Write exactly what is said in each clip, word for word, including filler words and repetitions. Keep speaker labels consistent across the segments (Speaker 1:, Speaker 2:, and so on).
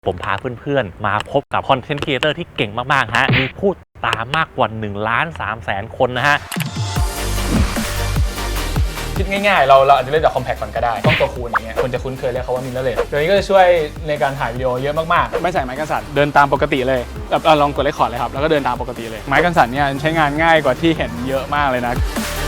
Speaker 1: ผมพาเพื่อนๆมาพบกับคอนเทนต์ครีเอเตอร์ที่เก่งมากๆฮะมีผู้ตามมากกว่าหนึ่งล้านสามแสนคนนะฮะ
Speaker 2: คิดง่ายๆเราเราอาจจะเล่นจากคอมแพคก่อนก็ได้กล้องตัวคูณอย่างเงี้ยคนจะคุ้นเคยเรียกเขาว่ามิเรอร์เลสตัวนี้ก็จะช่วยในการถ่ายวิดีโอเยอะมากๆไม่ใส่ไม้กันสั่นเดินตามปกติเลยแบบลองกดเรคคอร์ดเลยครับแล้วก็เดินตามปกติเลยไม้กันสั่นเนี่ยใช้งานง่ายกว่าที่เห็นเยอะมากเลยนะ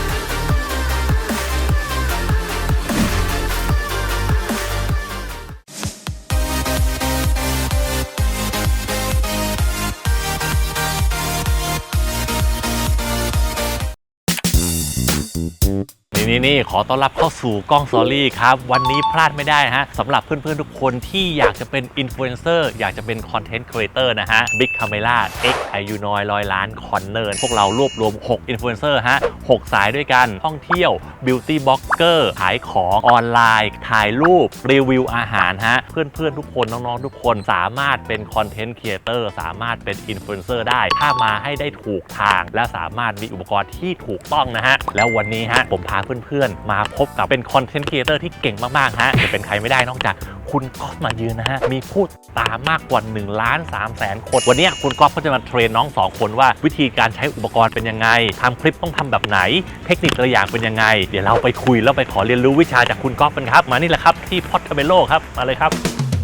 Speaker 1: นี่นี่ขอต้อนรับเข้าสู่กล้องสตอรี่ครับวันนี้พลาดไม่ได้ฮะสำหรับเพื่อนๆทุกคนที่อยากจะเป็นอินฟลูเอนเซอร์อยากจะเป็นคอนเทนต์ครีเอเตอร์นะฮะ Big Camera X อายุน้อยร้อยล้านคอนเนอร์พวกเรารวบรวมหกอินฟลูเอนเซอร์ฮะหกสายด้วยกันท่องเที่ยวบิวตี้บล็อกเกอร์ขายของออนไลน์ถ่ายรูปรีวิวอาหารฮะเพื่อนๆทุกคนน้องๆทุกคนสามารถเป็นคอนเทนต์ครีเอเตอร์สามารถเป็นอินฟลูเอนเซอร์ได้ถ้ามาให้ได้ถูกทางและสามารถมีอุปกรณ์ที่ถูกต้องนะฮะแล้ววันนี้ฮะผมพาเพื่อนๆมาพบกับเป็นคอนเทนต์ครีเอเตอร์ที่เก่งมากๆฮะจะเป็นใครไม่ได้นอกจากคุณก๊อฟมายืนนะฮะมีผู้ตามมากกว่าหนึ่งล้านสามแสนคนวันนี้คุณก๊อฟก็จะมาเทรนน้องสองคนว่าวิธีการใช้อุปกรณ์เป็นยังไงทำคลิปต้องทำแบบไหนเทคนิคตัวอย่างเป็นยังไงเดี๋ยวเราไปคุยแล้วไปขอเรียนรู้วิชาจากคุณก๊อฟกันครับมานี่แหละครับที่พอดคาเมโลครับมาเลยครับ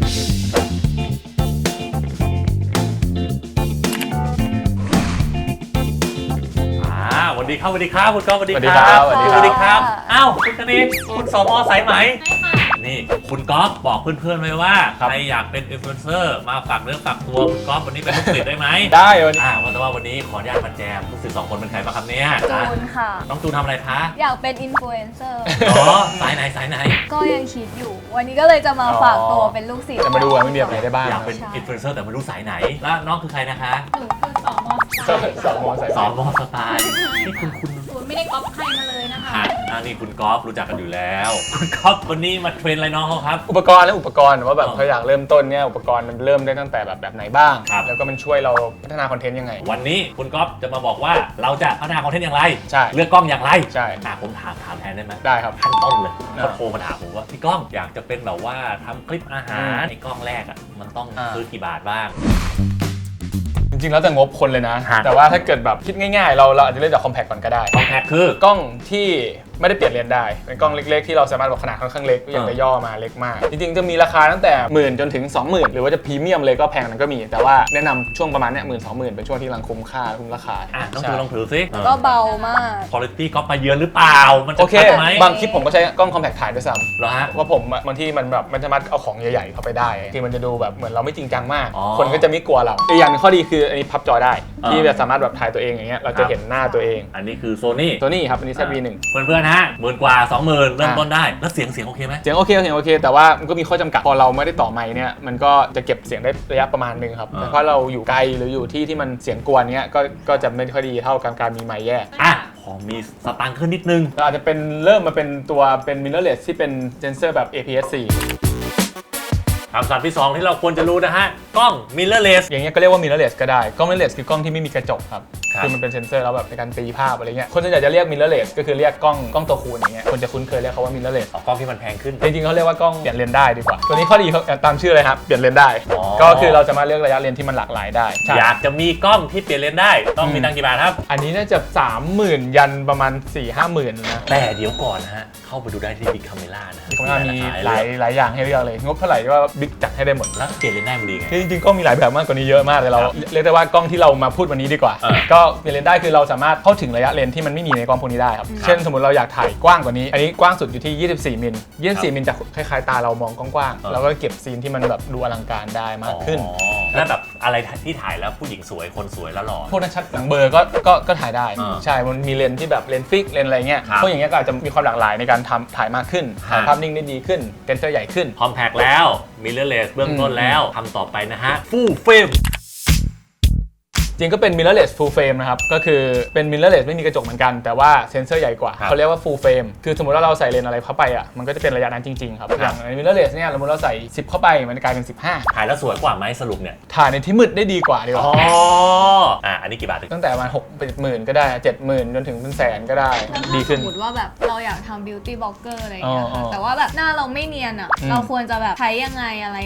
Speaker 1: สวัสดีครับสวัสดีครับคุณก๊อฟสวัสดีครับสวัสดีครับอ้าวคุณคณิตคุณสมอสายไหมนี่คุณก๊อฟบอกเพื่อนๆไว้ว่าใครอยากเป็นอินฟลูเอนเซอร์มาฝากเนื้อฝากตัวคุณก๊อฟวันนี้เป็นลูกศิษย์ได้ไหม
Speaker 2: ได้วันนี้
Speaker 1: อ่าว่าแต่ว่าวันนี้ขออนุญาตมาแจมลูกศิษย์สองคนเป็นใครบ้างครับเนี่ย
Speaker 3: จูนค่ะ
Speaker 1: น้องจูนทำอะไรคะ
Speaker 3: อยากเป็นอินฟลูเอนเซอร์
Speaker 1: อ๋อสายไหนสายไหน
Speaker 3: ก็ยังคิดอยู่วันนี้ก็เลยจะมาฝากตัวเป็นลูกศิษย์
Speaker 2: จะมาดูว่าไม่มีอะไรได้บ้าง
Speaker 1: อยากเป็นอินฟลูเอนเซอร์แต่ไม่รู้สายไหนแล้วน้องคือใครนะคะ
Speaker 3: หนูคือสองมอสไตล์
Speaker 2: สองมอสาย
Speaker 1: สองมอสไตล์นี่คุณคุณ
Speaker 3: ศูนย์ไม่ได้ก๊อปใครมาเลยนะคะ
Speaker 1: อ่านี่คุณก๊อฟรู้จักกันอยู่แล้วคุณก๊อฟวันนี้มาเทรนอะไรน้องเขาครับ
Speaker 2: อุปกรณ์และอุปกรณ์ว่าแบบเขาอยากเริ่มต้นเนี่ยอุปกรณ์มันเริ่มได้ตั้งแต่แบบแบบไหนบ้างแล้วก็มันช่วยเราพัฒนาคอนเทนต์ยังไง
Speaker 1: วันนี้คุณก๊อฟจะมาบอกว่าเราจะพัฒนาคอนเทนต์อย่างไร
Speaker 2: ใช่
Speaker 1: เลือกกล้องอย่างไร
Speaker 2: ใช่
Speaker 1: อ่ะผมถามถามแทนได้ไหม
Speaker 2: ได้ครับ
Speaker 1: ขั้นต้นเลยเขาโทรมาถามผมว่าพี่ก้องอยากจะเป็นแบบว่าทำคลิปอาหารในกล้องแรกอ่ะมันต้องซื้อกี่บาทบ้าง
Speaker 2: จริงๆแล้วแต่งบคนเลยนะแต่ว่าถ้าเกิดแบบคิดง่ายๆเราเราอาจจะเล่นจากคอมแพคก่อนก็ได้
Speaker 1: คอมแพคคื
Speaker 2: อกล้องที่ไม่ได้เปลี่ยนเลนส์ได้เป็นกล้องเล็กๆที่เราสามารถบอกขนาดค่อนข้างเล็กอย่างจะย่อมาเล็กมากจริงๆจะมีราคาตั้งแต่หมื่นจนถึง สองหมื่น หรือว่าจะพรีเมียมเลยก็แพงนั้นก็มีแต่ว่าแนะนำช่วงประมาณเนี้ยหมื่นสองหมื่นเป็นช่วงที่กำลังคุ้มค่าคุ้มราคา
Speaker 1: อ่ะต้องถือลองถือซิ
Speaker 3: ก็เบามาก
Speaker 1: คุณภาพก็ไปเยือนหรือเปล่ามันจะ
Speaker 2: ชัดไหมบางคลิปผมก็ใช้กล้องคอมแพคถ่ายด้วยซ้ำ
Speaker 1: เหรอฮะ
Speaker 2: ว่าผมบางที่มันแบบมันสามารถเอาของใหญ่ๆเข้าไปได้ที่มันจะดูแบบเหมือนเราไม่จริงจังมากคนก็จะไม่กลัวเราอีกอย่างข้อดีคืออันนี้พับจอได้ที่จะสามารถแบบถ่ายตัวเองอย่างเงี้ยเราจะเห็นหน้าตัวเอง
Speaker 1: อันนี้คือโซนี่
Speaker 2: โซนี่ครับอันนี้ แซด วี หนึ่ง
Speaker 1: เพื่อนๆฮะหมื่นกว่าสองหมื่นเริ่มต้นได้แล้วเสียงเสียงโอเคไหม
Speaker 2: เสียงโอเคเสียงโอเคแต่ว่ามันก็มีข้อจำกัดพอเราไม่ได้ต่อไมค์เนี่ยมันก็จะเก็บเสียงได้ระยะประมาณนึงครับแต่พอเราอยู่ไกลหรืออยู่ที่ที่มันเสียงกวนเนี้ยก็ก็จะไม่ค่อยดีเท่ากับการมีไมค์แยก
Speaker 1: อ่ะพอมีสตางค์ขึ้นนิดนึง
Speaker 2: เราอาจจะเป็นเริ่มมาเป็นตัวเป็น mirrorless ที่เป็นเซนเซอร์แบบ เอ พี เอส โฟร์
Speaker 1: คำศัพท์ที่สองที่เราควรจะรู้นะฮะกล้อง mirrorless
Speaker 2: อย่างเงี้ยก็เรียกว่า mirrorless ก็ได้กล้อง mirrorless คือกล้องที่ไม่มีกระจกครับคือมันเป็นเซนเซอร์แล้วแบบในการตีภาพอะไรเงี้ยคนส่วนใหญ่จะเรียก mirrorless ก็คือเรียกกล้องกล้องตัวคูณอย่างเงี้ยคนจะคุ้นเคยเรียกเขาว่า mirrorless
Speaker 1: กล้องที่มันแพงขึ้น
Speaker 2: จริงๆเขาเรียกว่ากล้องเปลี่ยนเลนส์ได้ดีกว่าตัวนี้ข้อดีเขาตามชื่อเลยครับเปลี่ยนเลนส์ได้ก็คือเราจะมาเลือกระยะเลนส์ที่มันหลากหลายได้
Speaker 1: อยากจะมีกล้องที่เปลี่ยนเลนส์ได้ต้องมีตังค์กี่บาทครับ
Speaker 2: อันนี้น่าจะ สามหมื่น ยันประมาณ สี่ห้าหมื่น นะ
Speaker 1: แต่เดี๋ยวก่อนนะฮะเข้าไปดูได้ที่ Big Camera นะ
Speaker 2: Big Camera มีหลายหลายอย่างให้เลือกเลยงบเท่าไหร่ว่า Big จัดให้ได้หมด
Speaker 1: แล้วเปลี่ยนเลนส์ได้มันดีไง
Speaker 2: จริงๆก็มีหลายแบบมากกว่านี้เยอะมากเลยเราเรียกได้ว่ากล้องที่เรามาพูดวันนี้ดีกว่าก็เปลี่ยนเลนส์ได้คือเราสามารถเข้าถึงระยะเลนส์ที่มันไม่มีในกล้องพวกนี้ได้ครับเช่นสมมติเราอยากถ่ายกว้างกว่านี้อันนี้กว้างสุดอยู่ที่ยี่สิบสี่มิลยี่สิบสี่มิลจะคล้ายๆตาเรามองกว้างๆแล้วก็เก็บซีนที่มันแบบดูอลังการได้มากขึ้น
Speaker 1: แล้วแบบอะไรที่ถ่ายแล้วผู้หญิงสวยคนสวยแล้วหล่อ
Speaker 2: พวกนั้นชัดหนังเบอร์ก็ก็ก็ถ่ายได้ใช่มันมีเลนส์ที่แบบเลนส์ฟิกเลนส์อะไรเงี้ยพวกอย่างเงี้ยก็อาจจะมีความหลากหลายในการทำถ่ายมากขึ้นถ่ายภาพนิ่งได้ดีขึ้นเซนเซอร์ใหญ่ขึ้น
Speaker 1: คอมแพคแล้วmirrorlessเบื้องต้นแล้วทำต่อไปนะฮะ full frame
Speaker 2: จริงก็เป็น mirrorless full frame นะครับก็คือเป็น mirrorless ไม่มีกระจกเหมือนกันแต่ว่าเซนเซอร์ใหญ่กว่าเขาเรียกว่า full frame คือสมมติว่าเราใส่เลนส์อะไรเข้าไปอ่ะมันก็จะเป็นระยะนั้นจริงๆครับอย่างใน mirrorless เนี่ยสมมติเราใส่สิบเข้าไปมันกลายเป็นสิบห้า
Speaker 1: ถ่ายแล้วสวยกว่าไหมสรุปเนี่ย
Speaker 2: ถ่ายในที่มืดได้ดีกว่าดีกว่า
Speaker 1: อ๋ออ่ะอันนี้กี่บาท
Speaker 2: ตั้งแต่ประมาณหกหมื่นก็ได้เจ็ดหมื่นจนถึงเป็นแสนก็ได้ดีขึ้น
Speaker 3: สมมติว่าแบบเราอยากทำ beauty blogger อะไรอย่างเงี้ยแต่ว่าแบบหน้าเราไม่เนียนอ่ะเราควรจะแบบใช้ยังไงอะไรยังไง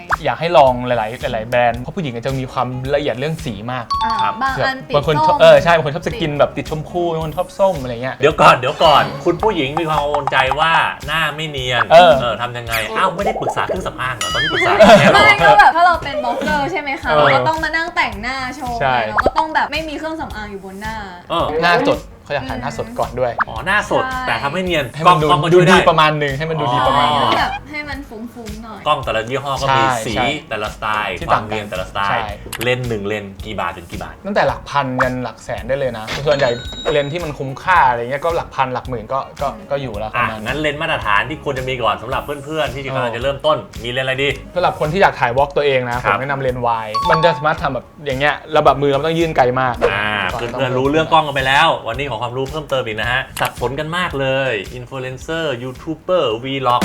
Speaker 2: อยากให้ลองหลายๆหลายๆแบรนด์เพราะผู้หญิงจะมีความละเอียดเรื่องสีมาก
Speaker 3: อ่า
Speaker 1: ครับ
Speaker 3: บางอันติด
Speaker 2: บางคน
Speaker 3: ส้ม
Speaker 2: เออใช่บางคนชอบสกินแบบติดชมพูบางคนชอบส้มอะไรเงี้ย
Speaker 1: เดี๋ยวก่อนเดี๋ยวก่อนคุณผู้หญิงมีความกังวลใจว่าหน้าไม่เนียน
Speaker 2: เออ
Speaker 1: ทำยังไงอ้าวไม่ได้ปรึกษาเครื่องสำอางเหรอตอนนี้ปรึกษาแค่หรอ
Speaker 3: ไม่ก็แบบถ้าเราเป็นบล็อกเกอร์ใช่ไหมคะ
Speaker 2: เออ
Speaker 3: เราก็ต้องมานั่งแต่งหน้าโชว์
Speaker 2: ใช่
Speaker 3: เราก็ต้องแบบไม่มีเครื่องสำอางอยู่บนหน้า
Speaker 1: เออ
Speaker 2: หน้าสดเขาอยากถ่ายหน้าสดก่อนด้วย
Speaker 1: อ๋อหน้าสด
Speaker 3: ใช่
Speaker 1: แต่ทำให้เนียน
Speaker 2: ให้
Speaker 1: กล้
Speaker 2: มั
Speaker 1: อง
Speaker 2: นดู
Speaker 1: กล้องก็
Speaker 2: ดู
Speaker 1: ช่วย
Speaker 2: ดี
Speaker 1: ได้
Speaker 2: ประมาณหนึ่งให้มันดูดีประมาณหนึง
Speaker 3: แบบให้มันฟุ้งๆหน่อย
Speaker 1: กล้องแต่ละยี่ห้อก็มี
Speaker 2: ใช่
Speaker 1: สี
Speaker 2: ใช่
Speaker 1: แต่ละสไตล์
Speaker 2: ที่
Speaker 1: ควา
Speaker 2: ต่าม งกัน
Speaker 1: เนียนแต่ละสไต
Speaker 2: ใช่
Speaker 1: ล์เลนส์หนึ่งเลนส์กี่บาทถึงกี่บาท
Speaker 2: ตั้งแต่หลักพันยันหลักแสนได้เลยนะส่วนใหญ่เลนส์ที่มันคุ้มค่าอะไรเงี้ยก็หลักพันหลักหมื่นก็ก็ก็อยู่แล้วประ
Speaker 1: อ่ะ
Speaker 2: มาณนั้น
Speaker 1: งั้นเลนส์มาตรฐานที่ควรจะมีก่อนสำหรับเพื่อนๆที่กำลังจะเริ่มต้นมีเลนส์อะไรดี
Speaker 2: สำหรับคนที่อยากถ่ายวอล์กตัวเองนะ
Speaker 1: ค
Speaker 2: ผ
Speaker 1: รั
Speaker 2: ม
Speaker 1: บ
Speaker 2: แนะนำเลนส์วายมันจะสามารถทำแบบอย่างเงี้ยแล้วแบบมือเราไม่ต้องยื่นไกลมาก
Speaker 1: อ่าเพื่อนๆรู้เรื่องกล้องกันไปแล้ว วันนี้ขอความรู้เพิ่มเติมอีกนะฮะสับสนกันมากเลยอินฟลูเอนเซอร์ยูทูบเบอร์วีล็อก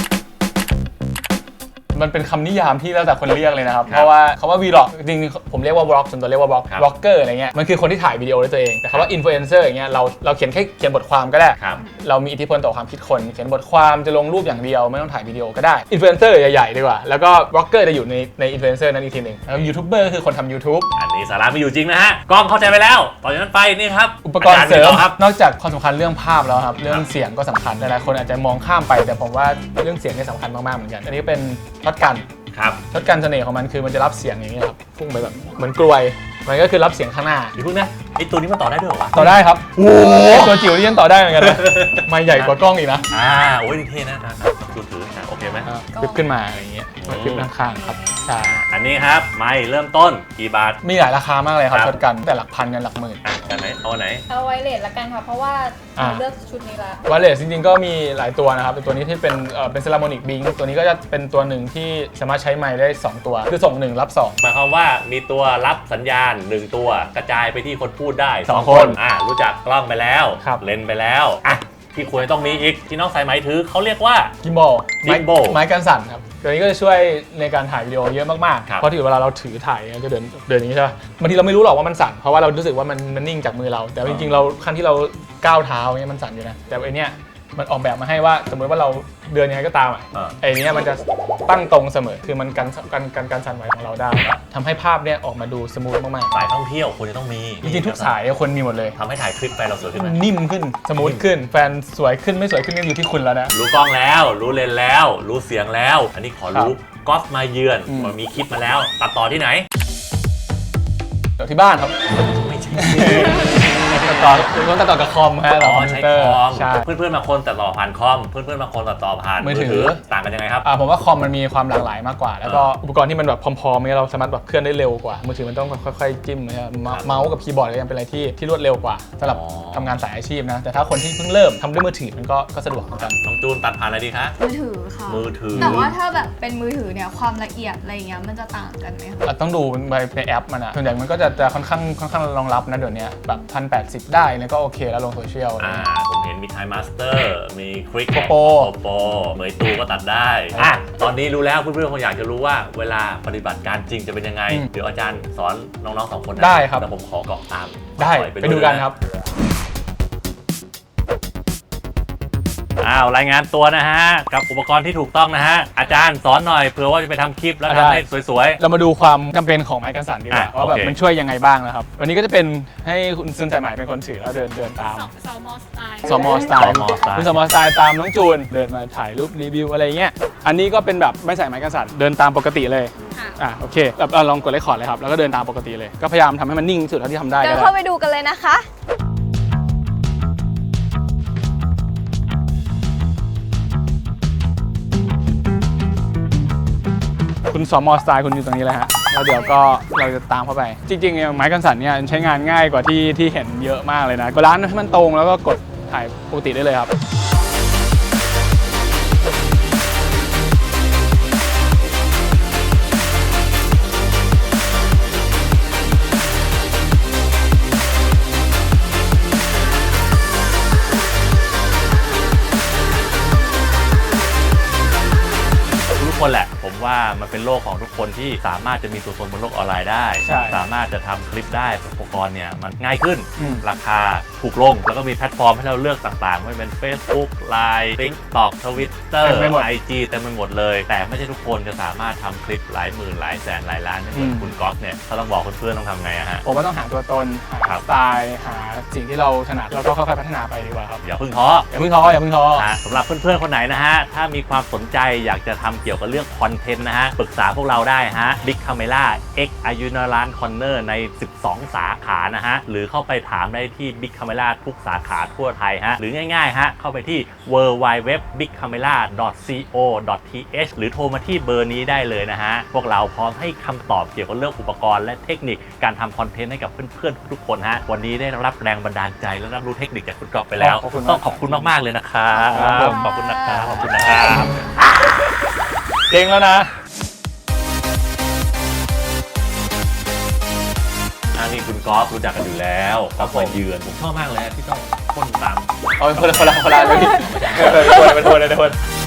Speaker 2: มันเป็นคำนิยามที่แล้วแต่คนเรียกเลยนะครับ
Speaker 1: ครับ
Speaker 2: เพราะว่าคำว่า vlog จริงๆผมเรียกว่า vlog ส่วนตัวเรียกว่า vlog
Speaker 1: ครับ
Speaker 2: vlogger อะไรเงี้ยมันคือคนที่ถ่ายวิดีโอด้วยตัวเองแต่คำว่า influencer อย่างเงี้ยเราเราเขียนแค่เขียนบทความก็ได้
Speaker 1: ครับ
Speaker 2: เรามีอิทธิพลต่อความคิดคนเขียนบทความจะลงรูปอย่างเดียวไม่ต้องถ่ายวิดีโอก็ได้ influencer ใหญ่ๆดีกว่าแล้วก็ vlogger จะอยู่ในใน influencer นั้นอีกทีหนึงแล้ว youtuber คือคนทำ YouTube
Speaker 1: อันนี้สาระไม่อยู่จริงนะฮะกล้องเข้าใจไปแล้วต่อจากนั้นไปนี่ครับ
Speaker 2: อุปกรณ์เสริ
Speaker 1: าจาย์
Speaker 2: ม
Speaker 1: มีต่อครับ
Speaker 2: นอกจากความสำคัญเรื่องภาพแล้วครับเรื่องเสียงก็สำคัญหลายๆคนอาจจะมองข้ามไปแต่ผมว่าเรื่องเสียงเนี่ยสำคัญมากๆเหมือนกัน อันนี้เป็นช็อตกัน
Speaker 1: ครับ
Speaker 2: ช็อตกันเสน่ห์ของมันคือมันจะรับเสียงอย่างเงี้ยครับพุ่งไปแบบเหมือนกลวยมันก็คือรับเสียงข้างหน้า
Speaker 1: เดี๋ยวพึ่งนะไอตัวนี้มันต่อได้ด้วยเหรอวะ
Speaker 2: ต่อได้ครับโอ้ตัวจิ๋วนี่ยังต่อได้เหมือนกันนะไม่ใหญ่กว่ากล้องอีกนะ
Speaker 1: อ่าโอ้ยนี่เท่นะนะดูถือนะโอเคไหม
Speaker 2: อ่าคลิปขึ้นมาอะไรอย่างเงี้ยคลิปข้างๆครับใช่
Speaker 1: อันนี้ครับไม่เริ่มต้นกี่บาท
Speaker 2: มีหลายราคามากเลยครับ
Speaker 1: ครับ
Speaker 2: ช็อตกันแต่หลักพันกันหลักหมื่น
Speaker 1: อ่ะอันไหนเอาอันไหน
Speaker 4: เอาไวเลสละกันค่ะ เพราะว่า
Speaker 2: อ่า
Speaker 4: เลือกชุดนี้ละ
Speaker 2: วาเลสจริงๆก็มีหลายตัวนะครับเป็นตัวนี้ที่เป็นเอ่อเป็นเซรามิกบิงตัวนี้ก็จะเป็นตัวหนึ่งที่สามารถใช้ไมค์ได้สองตัวคือส่งหนึ่งรับสอง
Speaker 1: หมายความว่ามีตัวรับสัญญาณหนึ่งตัวกระจายไปที่คนพูดได้
Speaker 2: สอง
Speaker 1: ค
Speaker 2: คน น
Speaker 1: อ่ารู้จักกล้องไปแล้ว
Speaker 2: ครับ
Speaker 1: เลนส์ไปแล้วอ่ะที่ควรจะต้องมีอีกที่น้องสายไหมถือเขาเรียกว่า
Speaker 2: กิมบอล
Speaker 1: Gimbal
Speaker 2: ไม้กันสั่นครับตัวนี้ก็จะช่วยในการถ่ายวิดีโอเยอะมาก
Speaker 1: ครับ
Speaker 2: ๆเพราะที่เวลาเราถือถ่ายเนี่ยจะเดินเดินอย่างนี้ใช่ป่ะบางทีเราไม่รู้หรอกว่ามันสั่นเพราะว่าเรารู้สึกว่ามันมันนิ่งจากมือเรา แต่จริงๆเราขั้นที่เราก้าวเท้าเนี่ยมันสั่นอยู่นะแต่ไอเนี้ยมันออกแบบมาให้ว่าสมมติว่าเราเดินยังไงก็ตามอ่ะ
Speaker 1: เออ
Speaker 2: ไอเนี้ยมันจะตั้งตรงเสมอคือมันกันกันกันการสั่นไหวของเราได้ทำให้ภาพเนี่ยออกมาดูสมูทมาก
Speaker 1: สายท่องเที่ยวควรจะต้องมี
Speaker 2: ๆจริงๆทุกสายเนี่ยควรมีหมดเลย
Speaker 1: ทำให้ถ่ายคลิปไปเราสวยขึ้นไหม
Speaker 2: นิ่มขึ้นสมูทขึ้นแฟนสวยขึ้นไม่สวยขึ้นนี่อยู่ที่คุณแล้วนะ
Speaker 1: รู้กล้องแล้ว รู้เลนส์แล้ว รู้เสียงแล้ว อันนี้ขอรู้กอล์ฟมาเยือน
Speaker 2: อืม
Speaker 1: มันมีคลิปมาแล้ว ตัดต่อที่ไหน
Speaker 2: เดี๋ยวที่บ้านครับ
Speaker 1: ไม่ใช่
Speaker 2: ตัดต่อต้องตัดต่อกับคอมฮะ
Speaker 1: อ๋
Speaker 2: ต่อ
Speaker 1: อ
Speaker 2: คอมพิ
Speaker 1: ใช้
Speaker 2: วเตอร์
Speaker 1: คอม
Speaker 2: ใช่
Speaker 1: เพื่อนๆบางคนตัดต่อผ่านคอม เพื่อนๆบางคนตัดต่อผ่าน
Speaker 2: มือถือ
Speaker 1: ต่างกันยังไงครับ
Speaker 2: อ่าผมว่าคอมมันมีความหลากหลายมากกว่า แล้วก็อุปกรณ์ที่มันแบบพร้อมๆเนี่ยเราสามารถแบบเคลื่อนได้เร็วกว่า มือถือมันต้องค่อยๆจิ้มนะครับเมาส์เมาส์กับคีย์บอร์ดก็ยังเป็นอะไรที่ที่รวดเร็วกว่าสำหรับ
Speaker 1: อ๋อ
Speaker 2: ทำงานสายอาชีพนะ แต่ถ้าคนที่เพิ่งเริ่มทำด้วยมือถือมันก็ก็สะดวกเหมือนกัน
Speaker 1: น้องจูนตัดผ่านอะไรดีคะ
Speaker 3: มือถือค่ะ
Speaker 1: มือถือ
Speaker 3: แต่ว่าถ้าแบบเป็นมือถือเนี่ยความละเอียดอะไรอย่างเงี้ยมันจะต่างกันไหมคะ
Speaker 2: อ่ะต้องดูในในแอปมันอะส่วนใหญ่มันก็จะจะค่อนข้างค่อนข้างรองรับนะเดี๋ยวนี้แบบพันแปดสิบได้เนี่ยก็โอเคแล้วลงโซเชียลอะไร
Speaker 1: อ่า
Speaker 2: เงี้ย
Speaker 1: ผมเห็นมีไทม์มาสเตอร์มีคลิก
Speaker 2: Popo
Speaker 1: โปเหมยตูก็ตัดได้อ่ะตอนนี้รู้แล้วเพื่อนๆคงอยากจะรู้ว่าเวลาปฏิบัติการจริงจะเป็นยังไง
Speaker 2: อืม
Speaker 1: เดี๋ยวอาจารย์สอนน้องๆสองคนนะ
Speaker 2: ได้ครับ
Speaker 1: แต่ผมขอเกาะตาม
Speaker 2: ได้
Speaker 1: ปล่อย
Speaker 2: ไปดูกันครับ
Speaker 1: อ้าวรายงานตัวนะฮะกับอุปกรณ์ที่ถูกต้องนะฮะอาจารย์สอนหน่อยเผื่อว่าจะไปทำคลิปแล้ว
Speaker 2: ได้
Speaker 1: ทำให้สวย
Speaker 2: เรามาดูความจำเป็นของไม้กันสั่นดีกว่า
Speaker 1: อ่ะ
Speaker 2: ว่าแบบ
Speaker 1: โอเค
Speaker 2: มันช่วยยังไงบ้างนะครับวันนี้ก็จะเป็นให้คุณซึนใจใหม่เป็นคนถือแล้วเดินเดินตาม
Speaker 4: สองมอสไตล์
Speaker 2: สมอสไตล์
Speaker 1: สมอสไตล์
Speaker 2: คุณสมอสไตล์ตามน้องจูนเดินมาถ่ายรูปรีวิวอะไรเงี้ยอันนี้ก็เป็นแบบไม่ใส่ไม้กันสั่นเดินตามปกติเลย
Speaker 4: ค่ะ
Speaker 2: อ่ะโอเคแบบเอาลองกดเลคคอร์ดเลยครับแล้วก็เดินตามปกติเลยก็พยายามทำให้มันนิ่งที่สุดเท่าที่ทำได้
Speaker 3: เดิ
Speaker 2: ก็
Speaker 3: น
Speaker 2: ได้
Speaker 3: เข้าไปดูกันเลยนะคะ
Speaker 2: คุณสมอสไตล์คุณอยู่ตรงนี้เลยฮะแล้วเดี๋ยวก็เราจะตามเข้าไป จริงๆเนี่ยไม้กันสั่นเนี่ยใช้งานง่ายกว่าที่ที่เห็นเยอะมากเลยนะก็ร้านให้มันตรงแล้วก็กดถ่ายปกติได้เลยครับ
Speaker 1: ๆทุกคนแหละ ผมว่ามันเป็นโลกของทุกคนที่สามารถจะมีตัวตนบนโลกออนไลน์ได้
Speaker 2: ใช่
Speaker 1: สามารถจะทำคลิปได้อุปกรณ์เนี่ยมันง่ายขึ้น
Speaker 2: อืม
Speaker 1: ราคาถูกลงแล้วก็มีแพลตฟอร์มให้เราเลือกต่างๆไม่ว่าเป็น Facebook ไลน์ TikTok Twitter
Speaker 2: เต็มไปหมด
Speaker 1: ไอ จี เต็มไปหมดเลย แต่ไม่ใช่ทุกคนจะสามารถทำคลิปหลายหมื่นหลายแสนหลายล้านไม่เหมือน
Speaker 2: อืม
Speaker 1: คุณก๊อฟเนี่ยเขาต้องบอกเพื่อนๆต้องทำไงอะฮะ
Speaker 2: ผมว่าต้องหาตัวตนหา
Speaker 1: ครับ
Speaker 2: สไตล์หาสิ่งที่เราถนัดแล้วก็ค่อยๆพัฒนาไปดีกว่าครับ
Speaker 1: อย่าเพิ่งท้อ
Speaker 2: อย่าเพิ่งท้ออย่าเพิ่งท้อ
Speaker 1: นะสำหรับเพื่อนๆ คนไหนนะฮะ ถ้ามีความสนใจอยากจะทำเกี่ยวกับเรื่องคอนเทนต์นะฮะ ปรึกษาพวกเราได้ฮะ Big Camera X Ayunaran Corner ใน สิบสอง สาขานะฮะ หรือเข้าไปถามได้ที่ Big Camera ทุกสาขาทั่วไทยฮะ หรือง่ายๆ ฮะ เข้าไปที่ ดับเบิลยู ดับเบิลยู ดับเบิลยู ดอท บิ๊กคาเมล่า ดอท ซี โอ ดอท ที เอช หรือโทรมาที่เบอร์นี้ได้เลยนะฮะ พวกเราพร้อมให้คำตอบเกี่ยวกับเรื่องอุปกรณ์และเทคนิคการทำคอนเทนต์ให้กับเพื่อนๆ ทุกๆ คนฮะ วันนี้ได้รับแรงบันดาลใจและรับรู้เทคนิคจากคุณก๊อฟไปแล้ว
Speaker 2: ขอบคุณมาก
Speaker 1: ต้องขอบคุณมากๆเลยนะครับ
Speaker 2: ครับ
Speaker 1: ขอบคุณนะครับ ขอบคุณนะครับ
Speaker 2: เก่งแล้วนะ
Speaker 1: อันนี้คุณก๊อฟรู้จักกันอยู่แล้วก๊อฟมาเยือนผมชอบมากเลยนะที่ต้องพ่นตาม
Speaker 2: เอาเป็นคนละคนละคนละเลยเออเป็นคนเป็นคนเลยเป็นคน